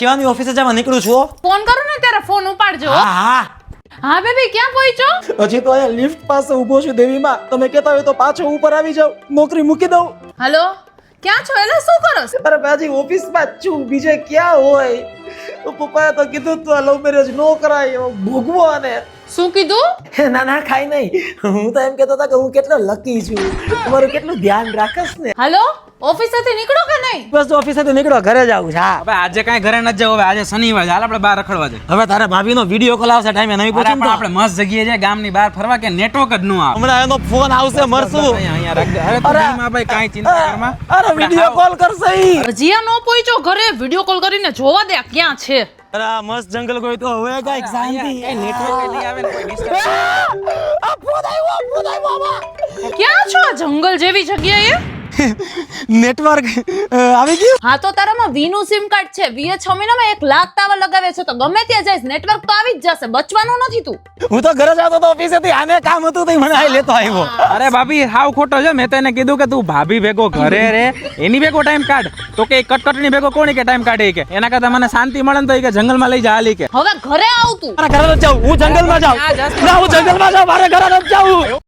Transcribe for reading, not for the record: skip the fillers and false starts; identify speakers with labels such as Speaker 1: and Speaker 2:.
Speaker 1: કેવાની ઓફિસે જવા નીકળું છું
Speaker 2: ફોન કરું ને ત્યારે ફોન ઉપાડજો.
Speaker 1: હા
Speaker 2: હા બેબી ક્યાં પહોંચ્યો?
Speaker 1: હજી તો અહીંયા લિફ્ટ પાસે ઊભો છું દેવીમાં. તમે કહેતા હોય તો પાછો ઉપર આવી જાવ, નોકરી મૂકી દઉં.
Speaker 2: હલો ક્યાં છો? એટલે શું કરો છો?
Speaker 1: અરે બાજી ઓફિસમાં જ છું, બીજે ક્યાં હોય? તો પપ્પાએ તો કીધું તું લવ મેરેજ નો કરાય, એવો ભોગવો. અને
Speaker 2: શું કીધું?
Speaker 1: ના ના ખાઈ નહીં, હું તો એમ કહેતો હતો કે હું કેટલો લકી છું, તમારું કેટલું ધ્યાન રાખસ ને.
Speaker 2: હલો ઓફિસેથી નીકળો કે નહીં?
Speaker 1: બસ ઓફિસેથી નીકળો, ઘરે જાવું છે. હા
Speaker 3: હવે આજે કાંઈ ઘરે નથી જવું, હવે આજે શનિવાર છે, હાલ આપણે બહાર રખડવા જઈએ.
Speaker 1: હવે તારા ભાભીનો વિડીયો કોલ આવશે ટાઈમે, નહીં
Speaker 3: અરે
Speaker 1: પૂછું
Speaker 3: પણ
Speaker 1: તો
Speaker 3: આપણે મસ્ત જગ્યાએ છે ગામની બહાર ફરવા, કે નેટવર્ક જ ન આવે.
Speaker 1: હમણાં એનો ફોન આવશે, મરશું.
Speaker 3: અહીંયા રાખજે. અરે તું દિલમાં ભાઈ કાંઈ ચિંતા કરમાં.
Speaker 1: અરે વિડીયો કોલ કરશે ઈ.
Speaker 2: રજીયા નો પહોંચ્યો ઘરે, વિડીયો કોલ કરીને જોવા દે ક્યાં છે.
Speaker 1: અરે આ મસ્ત જંગલ કોઈ તો હવે કાંઈક શાંતિ.
Speaker 3: નેટવર્ક નહીં આવે ને કોઈ disturb.
Speaker 1: આ ફોન આવ્યો બાબા.
Speaker 2: ક્યાં છો આ જંગલ જેવી જગ્યાએ?
Speaker 1: નેટવર્ક આવી ગયું.
Speaker 2: હા તો તારામાં વીનું સિમ કાર્ડ છે, વીએ 6 મહિનામાં 1 લાખ ટાવર લગાવે છે, તો ગમે ત્યાં જઈશ નેટવર્ક તો આવી જ જશે, બચવાનું નથી તું.
Speaker 1: હું તો ઘરે જતો તો ઓફિસેથી, આને કામ હતું તો ઈ મને આઈ લેતો આવ્યો.
Speaker 3: અરે ભાભી હાવ ખોટો છે. મેં તને કીધું કે તું ભાભી ભેગો ઘરે રે, એની ભેગો ટાઈમ કાઢ. તો કે કટકટની ભેગો કોની કે ટાઈમ કાઢે કે એના કરતા મને શાંતિ મળે ને તો કે જંગલમાં લઈ જા હાલી કે.
Speaker 2: હવે ઘરે આવ તું.
Speaker 1: મારા ઘરે નથી જાવું, હું જંગલમાં જાઉં. ના હું જંગલમાં જાઉં, મારે ઘરે નથી જાવું.